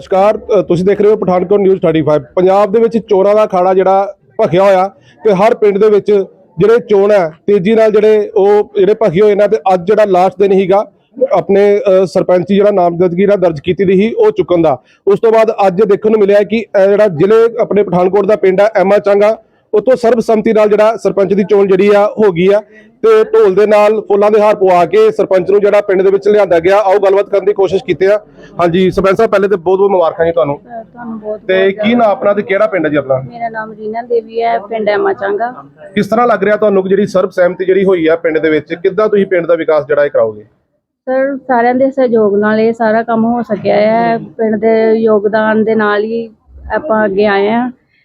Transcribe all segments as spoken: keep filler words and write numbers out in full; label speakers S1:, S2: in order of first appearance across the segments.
S1: नमस्कार, तुसीं देख रहे हो Pathankot news thirty five. Punjab दे विच चोणां दा अखाड़ा जिहड़ा भखिया होया ते हर पिंड दे विच जिहड़े चोण है तेजी नाल जिहड़े ओह जिहड़े भखे होए ने ते अज जिहड़ा लास्ट दिन हीगा अपने सरपंची जिहड़ा नामजदगी दर्ज कीती दी ही ओह चुकन दा। उस तो बाद अज देखण नूं मिलिआ कि जिहड़ा जिले अपने पठानकोट दा पिंड है एमा चांगा उतों सर्बसम्मति नाल जिहड़ा सरपंच दी चोण जिहड़ी आ हो गई है ते ढोल दे नाल फुल्लां दे हार पवा के सरपंच नूं जिहड़ा पिंड दे विच लिआंदा गया। आओ गलबात करन दी कोशिश कीते आ। हाँ जी सरपंच साहब, पहले तो बहुत बहुत मुबारकां जी तुहानूं।
S2: ਤੁਹਾਨੂੰ ਬਹੁਤ
S1: ते की नाम अपना ते किहड़ा पिंड है जी अपना?
S2: ਮੇਰਾ ਨਾਮ ਰੀਨਾ ਦੇਵੀ ਹੈ, ਪਿੰਡ ਐਮਾ ਚਾਂਗਾ।
S1: किस तरह लग रहा तुहानूं कि जिहड़ी सर्बसਹਿਮਤੀ जिहड़ी होई है पिंड दे विच किद्दां तुसीं पिंड दा विकास जिहड़ा इह कराओगे?
S2: ਸਰ ਸਾਰਿਆਂ ਦੇ ਸਹਿਯੋਗ ਨਾਲ ਇਹ ਸਾਰਾ ਕੰਮ ਹੋ ਸਕਿਆ ਹੈ। ਪਿੰਡ ਦੇ ਯੋਗਦਾਨ ਦੇ ਨਾਲ ਹੀ ਆਪਾਂ ਅੱਗੇ ਆਏ ਹਾਂ।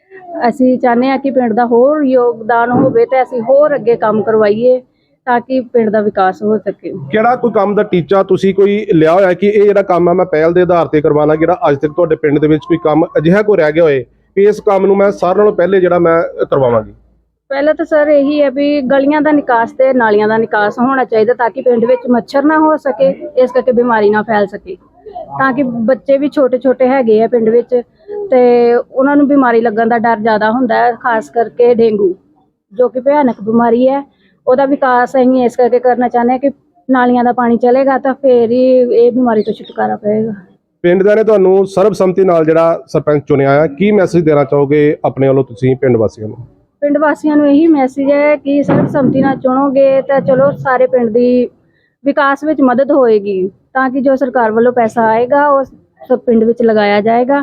S2: ਅਸੀਂ ਚਾਹੁੰਦੇ ਹਾਂ ਕਿ ਪਿੰਡ ਦਾ ਹੋਰ ਯੋਗਦਾਨ ਹੋਵੇ ਤੇ ਅਸੀਂ ਹੋਰ ਅੱਗੇ ਕੰਮ ਕਰਵਾਈਏ ਤਾਂ ਕਿ ਪਿੰਡ ਦਾ ਵਿਕਾਸ ਹੋ ਸਕੇ।
S1: ਕਿਹੜਾ ਕੋਈ ਕੰਮ ਦਾ ਟੀਚਾ ਤੁਸੀਂ ਕੋਈ ਲਿਆ ਹੋਇਆ ਕਿ ਇਹ ਜਿਹੜਾ ਕੰਮ ਆ ਮੈਂ ਪਹਿਲ ਦੇ ਆਧਾਰ ਤੇ ਕਰਵਾਉਣਾ, ਜਿਹੜਾ ਅੱਜ ਤੱਕ ਤੁਹਾਡੇ ਪਿੰਡ ਦੇ ਵਿੱਚ ਕੋਈ ਕੰਮ ਅਜਿਹਾ ਕੋਈ ਰਹਿ ਗਿਆ ਹੋਏ ਕਿ ਇਸ ਕੰਮ ਨੂੰ ਮੈਂ ਸਾਰਿਆਂ ਨਾਲੋਂ ਪਹਿਲੇ ਜਿਹੜਾ ਮੈਂ ਕਰਵਾਵਾਂਗੀ? ਪਹਿਲਾਂ
S2: ਤਾਂ ਸਰ ਇਹੀ ਹੈ ਵੀ ਗਲੀਆਂ ਦਾ ਨਿਕਾਸ ਤੇ ਨਾਲੀਆਂ ਦਾ ਨਿਕਾਸ ਹੋਣਾ ਚਾਹੀਦਾ ਤਾਂ ਕਿ ਪਿੰਡ ਵਿੱਚ ਮੱਛਰ ਨਾ ਹੋ ਸਕੇ, ਇਸ ਕਰਕੇ ਬਿਮਾਰੀ ਨਾ ਫੈਲ ਸਕੇ। ਤਾਂ ਕਿ ਬੱਚੇ ਵੀ ਛੋਟੇ ਛੋਟੇ ਹੈਗੇ ਆ ਪਿੰਡ ਵਿੱਚ ਤੇ ਉਹਨਾਂ ਨੂੰ ਬਿਮਾਰੀ ਲੱਗਣ ਦਾ ਡਰ ਜ਼ਿਆਦਾ ਹੁੰਦਾ ਹੈ, ਖਾਸ ਕਰਕੇ ਡੇਂਗੂ ਜੋ ਕਿ ਭਿਆਨਕ ਬਿਮਾਰੀ ਹੈ। ਉਹਦਾ ਵਿਕਾਸ ਅਸੀਂ ਇਸ ਕਰਕੇ ਕਰਨਾ ਚਾਹੁੰਦੇ ਹਾਂ ਕਿ ਨਾਲੀਆਂ ਦਾ ਪਾਣੀ ਚਲੇਗਾ ਤਾਂ ਫੇਰ ਹੀ ਇਹ ਬਿਮਾਰੀ ਤੋਂ ਛੁਟਕਾਰਾ ਪਏਗਾ।
S1: ਪਿੰਡ ਦੇ ਨੇ ਤੁਹਾਨੂੰ ਸਰਬਸੰਮਤੀ ਨਾਲ ਜਿਹੜਾ ਸਰਪੰਚ ਚੁਣਿਆ ਆ, ਕੀ ਮੈਸੇਜ ਦੇਣਾ ਚਾਹੋਗੇ ਆਪਣੇ ਵੱਲੋਂ ਤੁਸੀਂ ਪਿੰਡ ਵਾਸੀਆਂ ਨੂੰ?
S2: ਪਿੰਡ ਵਾਸੀਆਂ ਨੂੰ ਇਹੀ ਮੈਸੇਜ ਹੈ ਕਿ ਸਰਬਸੰਮਤੀ ਨਾਲ ਚੁਣੋਗੇ ਤਾਂ ਚਲੋ ਸਾਰੇ ਪਿੰਡ ਦੀ ਵਿਕਾਸ ਵਿੱਚ ਮਦਦ ਹੋਏਗੀ ਤਾਂ ਕਿ ਜੋ ਸਰਕਾਰ ਵੱਲੋਂ ਪੈਸਾ ਆਏਗਾ ਉਹ ਸਭ ਪਿੰਡ ਵਿੱਚ ਲਗਾਇਆ ਜਾਏਗਾ।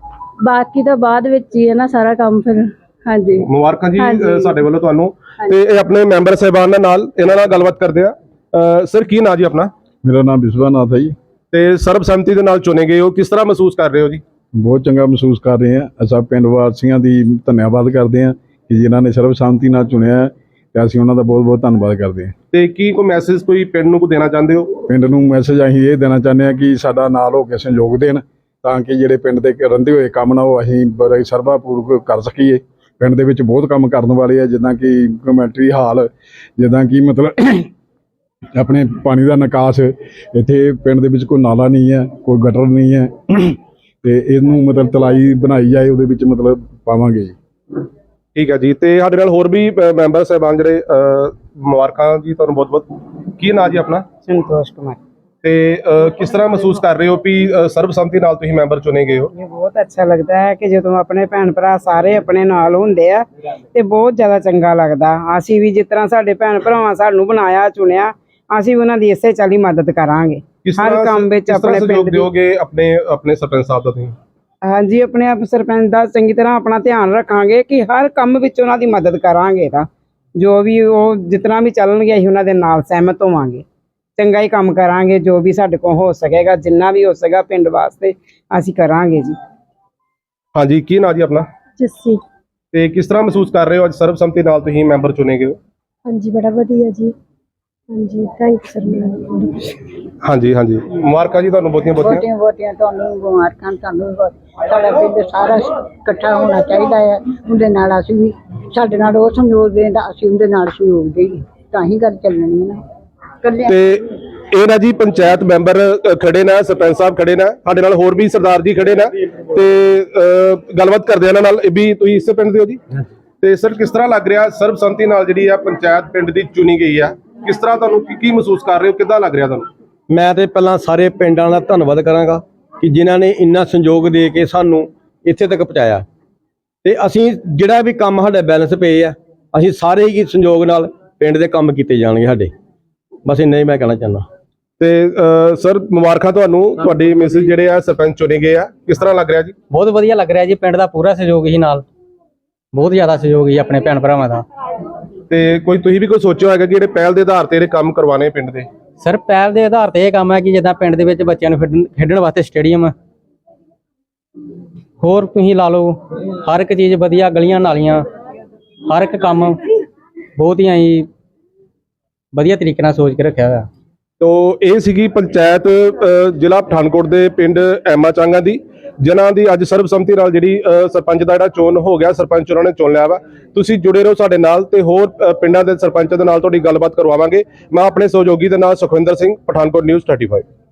S2: ਬਾਕੀ ਤਾਂ ਬਾਅਦ ਵਿੱਚ ਹੀ ਹੈ ਨਾ ਸਾਰਾ ਕੰਮ। ਫਿਰ ਹਾਂਜੀ
S1: ਮੁਬਾਰਕਾਂ ਜੀ ਸਾਡੇ ਵੱਲੋਂ ਤੁਹਾਨੂੰ। ਤੇ ਇਹ ਆਪਣੇ ਮੈਂਬਰ ਸਾਹਿਬਾਨ ਨਾਲ ਇਹਨਾਂ ਨਾਲ ਗੱਲਬਾਤ ਕਰਦੇ ਆ। ਸਰ ਕੀ ਨਾਂ ਜੀ ਆਪਣਾ?
S3: ਮੇਰਾ ਨਾਮ ਵਿਸ਼ਵਨਾਥ ਹੈ ਜੀ।
S1: ਤੇ ਸਰਬਸੰਮਤੀ ਦੇ ਨਾਲ ਚੁਣੇ ਗਏ ਹੋ, ਕਿਸ ਤਰ੍ਹਾਂ ਮਹਿਸੂਸ ਕਰ ਰਹੇ ਹੋ ਜੀ?
S3: ਬਹੁਤ ਚੰਗਾ ਮਹਿਸੂਸ ਕਰ ਰਹੇ ਹਾਂ। ਅਸੀਂ ਪਿੰਡ ਵਾਸੀਆਂ ਦੀ ਧੰਨਵਾਦ ਕਰਦੇ ਹਾਂ ਕਿ ਜਿਨ੍ਹਾਂ ਨੇ ਸਰਬਸੰਮਤੀ ਨਾਲ ਚੁਣਿਆ ਤੇ ਅਸੀਂ ਉਹਨਾਂ ਦਾ ਬਹੁਤ ਬਹੁਤ ਧੰਨਵਾਦ ਕਰਦੇ ਹਾਂ। ਤੇ ਕੀ ਕੋਈ ਮੈਸੇਜ ਕੋਈ ਪਿੰਡ ਨੂੰ ਕੋ ਦੇਣਾ ਚਾਹੁੰਦੇ ਹੋ? ਪਿੰਡ ਨੂੰ ਮੈਸੇਜ ਅਸੀਂ ਇਹ ਦੇਣਾ ਚਾਹੁੰਦੇ ਹਾਂ ਕਿ ਸਾਡਾ ਨਾਲ ਹੋ ਕੇ ਸਹਿਯੋਗ ਦੇਣ ਤਾਂ ਕਿ ਜਿਹੜੇ ਪਿੰਡ ਦੇ ਰਹਿੰਦੇ ਹੋਏ ਕੰਮ ਨਾ ਉਹ ਅਸੀਂ ਬੜੇ ਸਰਬਾਪੂਰਵਕ ਕਰ ਸਕੀਏ। ਪਿੰਡ ਦੇ ਵਿੱਚ ਬਹੁਤ ਕੰਮ ਕਰਨ ਵਾਲੇ ਆ, ਜਿੱਦਾਂ ਕਿ ਕਮੈਂਟਰੀ ਹਾਲ, ਜਿੱਦਾਂ ਕਿ ਮਤਲਬ ਆਪਣੇ ਪਾਣੀ ਦਾ ਨਿਕਾਸ। ਇੱਥੇ ਪਿੰਡ ਦੇ ਵਿੱਚ ਕੋਈ ਨਾਲਾ ਨਹੀਂ ਹੈ, ਕੋਈ ਗਟਰ ਨਹੀਂ ਹੈ ਤੇ ਇਹਨੂੰ ਮਤਲਬ ਤਲਾਈ ਬਣਾਈ ਜਾਏ, ਉਹਦੇ ਵਿੱਚ ਮਤਲਬ ਪਾਵਾਂਗੇ ਜੀ।
S1: ਠੀਕ ਹੈ ਜੀ। ਤੇ ਸਾਡੇ ਨਾਲ ਹੋਰ ਵੀ ਮੈਂਬਰ ਸਾਹਿਬਾਨ ਜਿਹੜੇ ਮੁਬਾਰਕਾਂ ਜੀ ਤੁਹਾਨੂੰ ਬਹੁਤ ਬਹੁਤ। ਕੀ ਨਾਂ ਜੀ ਆਪਣਾ?
S4: संतोष कुमार।
S1: ਤੇ ਕਿਸ ਤਰ੍ਹਾਂ ਮਹਿਸੂਸ ਕਰ ਰਹੇ ਹੋ ਵੀ ਸਰਬਸੰਮਤੀ ਨਾਲ ਤੁਸੀਂ ਮੈਂਬਰ ਚੁਣੇ ਗਏ ਹੋ?
S4: ਇਹ ਬਹੁਤ ਅੱਛਾ ਲੱਗਦਾ ਹੈ ਕਿ ਜਦੋਂ ਆਪਣੇ ਭੈਣ ਭਰਾ ਸਾਰੇ ਆਪਣੇ ਨਾਲ ਹੁੰਦੇ ਆ ਤੇ ਬਹੁਤ ਜ਼ਿਆਦਾ ਚੰਗਾ ਲੱਗਦਾ। ਅਸੀਂ ਵੀ ਜਿਸ ਤਰ੍ਹਾਂ ਸਾਡੇ ਭੈਣ ਭਰਾਵਾਂ ਸਾਨੂੰ ਬਣਾਇਆ ਚੁਣਿਆ, ਅਸੀਂ ਉਹਨਾਂ ਦੀ ਇਸੇ ਚਾਲੀ ਮਦਦ ਕਰਾਂਗੇ ਹਰ ਕੰਮ ਵਿੱਚ। ਆਪਣੇ ਪਿੰਡ
S1: ਦਿਓਗੇ ਆਪਣੇ ਆਪਣੇ ਸਰਪੰਚ ਸਾਹਿਬ ਦਾ ਤੁਸੀਂ?
S4: ਹਾਂਜੀ, ਆਪਣੇ ਆਪ ਸਰਪੰਚ ਦਾ ਚੰਗੀ ਤਰ੍ਹਾਂ ਆਪਣਾ ਧਿਆਨ ਰੱਖਾਂਗੇ ਕਿ ਹਰ ਕੰਮ ਵਿੱਚ ਉਹਨਾਂ ਦੀ ਮਦਦ ਕਰਾਂਗੇ। ਤਾਂ ਜੋ ਵੀ ਉਹ ਜਿਤਨਾ ਵੀ ਚੱਲਣਗੇ ਅਸੀਂ ਉਹਨਾਂ ਦੇ ਨਾਲ ਸਹਿਮਤ ਹੋਵਾਂਗੇ, ਚੰਗਾ ਹੀ ਕੰਮ ਕਰਾਂਗੇ। ਜੋ ਵੀ ਸਾਡੇ ਕੋਲ ਹੋ ਸਕੇਗਾ, ਜਿੰਨਾ ਵੀ ਹੋ ਸਕੇਗਾ ਪਿੰਡ ਵਾਸਤੇ ਅਸੀਂ ਕਰਾਂਗੇ ਜੀ।
S1: ਹਾਂਜੀ, ਕੀ ਨਾਂ ਜੀ ਆਪਣਾ?
S2: ਜੱਸੀ।
S1: ਤੇ ਕਿਸ ਤਰ੍ਹਾਂ ਮਹਿਸੂਸ ਕਰ ਰਹੇ ਹੋ ਅੱਜ ਸਰਬਸੰਮਤੀ ਨਾਲ ਤੁਸੀਂ ਮੈਂਬਰ ਚੁਣੇ ਗਏ ਹੋ?
S2: ਹਾਂਜੀ ਬੜਾ ਵਧੀਆ ਜੀ। ਹਾਂਜੀ ਥੈਂਕ ਯੂ ਸਰ।
S1: ਹਾਂਜੀ ਹਾਂਜੀ ਮੁਬਾਰਕਾਂ ਜੀ ਤੁਹਾਨੂੰ ਬਹੁਤੀਆਂ ਬਹੁਤੀਆਂ।
S5: ਬਹੁਤੀਆਂ ਬਹੁਤੀਆਂ ਤੁਹਾਨੂੰ ਮੁਬਾਰਕਾਂ। ਤੁਹਾਨੂੰ ਸਾਡਾ ਪਿੰਡ ਸਾਰਾ ਇਕੱਠਾ ਹੋਣਾ ਚਾਹੀਦਾ ਹੈ। ਉਹਦੇ ਨਾਲ ਅਸੀਂ ਵੀ, ਸਾਡੇ ਨਾਲ ਉਹ ਸਹਿਯੋਗ ਦੇਣ, ਅਸੀਂ ਉਹਦੇ ਨਾਲ ਸਹਿਯੋਗ ਦੇਈਏ ਤਾਂ ਹੀ ਗੱਲ ਚੱਲਣੀ ਹੈ ਨਾ।
S1: ਤੇ ਇਹ ਨਾ ਜੀ ਪੰਚਾਇਤ ਮੈਂਬਰ ਖੜੇ ਨੇ, ਸਰਪੰਚ ਸਾਹਿਬ ਖੜੇ ਨੇ, ਸਾਡੇ ਨਾਲ ਹੋਰ ਵੀ ਸਰਦਾਰ ਜੀ ਖੜੇ ਨੇ ਤੇ ਗੱਲਬਾਤ ਕਰਦੇ ਇਹਨਾਂ ਨਾਲ। ਵੀ ਤੁਸੀਂ ਇਸੇ ਪਿੰਡ ਦੇ ਹੋ ਜੀ? ਤੇ ਸਰ ਕਿਸ ਤਰ੍ਹਾਂ ਲੱਗ ਰਿਹਾ ਸਰਬਸੰਮਤੀ ਨਾਲ ਜਿਹੜੀ ਆ ਪੰਚਾਇਤ ਪਿੰਡ ਦੀ ਚੁਣੀ ਗਈ ਆ? ਕਿਸ ਤਰ੍ਹਾਂ ਤੁਹਾਨੂੰ ਕੀ ਮਹਿਸੂਸ ਕਰ ਰਹੇ ਹੋ, ਕਿੱਦਾਂ ਲੱਗ ਰਿਹਾ ਤੁਹਾਨੂੰ?
S6: ਮੈਂ ਤੇ ਪਹਿਲਾਂ ਸਾਰੇ ਪਿੰਡਾਂ ਦਾ ਧੰਨਵਾਦ ਕਰਾਂਗਾ ਕਿ ਜਿਨ੍ਹਾਂ ਨੇ ਇੰਨਾ ਸੰਯੋਗ ਦੇ ਕੇ ਸਾਨੂੰ ਇੱਥੇ ਤੱਕ ਪਹੁੰਚਾਇਆ। ਤੇ ਅਸੀਂ ਜਿਹੜਾ ਵੀ ਕੰਮ ਸਾਡੇ ਬੈਲੈਂਸ ਪਏ ਆ, ਅਸੀਂ ਸਾਰੇ ਹੀ ਸੰਯੋਗ ਨਾਲ ਪਿੰਡ ਦੇ ਕੰਮ ਕੀਤੇ ਜਾਣਗੇ ਸਾਡੇ। ਬਸ ਇੰਨਾ ਹੀ ਮੈਂ ਕਹਿਣਾ ਚਾਹੁੰਦਾ।
S1: ਤੇ ਸਰ ਮੁਬਾਰਕਾਂ ਤੁਹਾਨੂੰ, ਤੁਹਾਡੇ ਮੈਸੇਜ ਜਿਹੜੇ ਆ ਸਰਪੰਚ ਚੁਣੇ ਗਏ ਆ, ਕਿਸ ਤਰ੍ਹਾਂ ਲੱਗ ਰਿਹਾ ਜੀ?
S7: ਬਹੁਤ ਵਧੀਆ ਲੱਗ ਰਿਹਾ ਜੀ। ਪਿੰਡ ਦਾ ਪੂਰਾ ਸਹਿਯੋਗ ਹੀ ਨਾਲ, ਬਹੁਤ ਜ਼ਿਆਦਾ ਸਹਿਯੋਗ ਹੀ ਆਪਣੇ ਭੈਣ ਭਰਾਵਾਂ ਦਾ।
S1: ਤੇ ਕੋਈ ਤੁਸੀਂ ਵੀ ਕੋਈ ਸੋਚਿਆ ਹੋਏਗਾ ਕਿ ਜਿਹੜੇ ਪਹਿਲ ਦੇ ਆਧਾਰ ਤੇ ਜਿਹੜੇ ਕੰਮ ਕਰਵਾਣੇ ਪਿੰਡ ਦੇ?
S7: ਸਰ ਪਹਿਲ ਦੇ ਆਧਾਰ ਤੇ ਇਹ ਕੰਮ ਹੈ ਕਿ ਜਿੱਦਾਂ ਪਿੰਡ ਦੇ ਵਿੱਚ ਬੱਚਿਆਂ ਨੂੰ ਖੇਡਣ ਵਾਸਤੇ ਸਟੇਡੀਅਮ, ਹੋਰ ਤੁਸੀਂ ਲਾ ਲਓ ਹਰ ਇੱਕ ਚੀਜ਼ ਵਧੀਆ, ਗਲੀਆਂ ਨਾਲੀਆਂ, ਹਰ ਇੱਕ ਕੰਮ ਬਹੁਤ ਹੀ ਅਸੀਂ ਵਧੀਆ ਤਰੀਕੇ ਨਾਲ ਸੋਚ ਕੇ ਰੱਖਿਆ ਹੋਇਆ।
S1: ਤੋ ਇਹ ਸੀਗੀ ਪੰਚਾਇਤ ਜ਼ਿਲ੍ਹਾ ਪਠਾਨਕੋਟ ਦੇ ਪਿੰਡ ਐਮਾ ਚਾਂਗਾ ਦੀ, ਜਿਨ੍ਹਾਂ ਦੀ ਅੱਜ ਸਰਬਸੰਮਤੀ ਨਾਲ ਜਿਹੜੀ ਸਰਪੰਚ ਦਾ ਜਿਹੜਾ ਚੋਣ ਹੋ ਗਿਆ, ਸਰਪੰਚ ਉਹਨਾਂ ਨੇ ਚੁਣ ਲਿਆ ਵਾ। ਤੁਸੀਂ ਜੁੜੇ ਰਹੋ ਸਾਡੇ ਨਾਲ ਤੇ ਹੋਰ ਪਿੰਡਾਂ ਦੇ ਸਰਪੰਚਾਂ ਦੇ ਨਾਲ ਤੁਹਾਡੀ ਗੱਲਬਾਤ ਕਰਵਾਵਾਂਗੇ। ਮੈਂ ਆਪਣੇ ਸਹਿਯੋਗੀ ਦੇ ਨਾਲ Sukhwinder Singh, Pathankot news thirty five.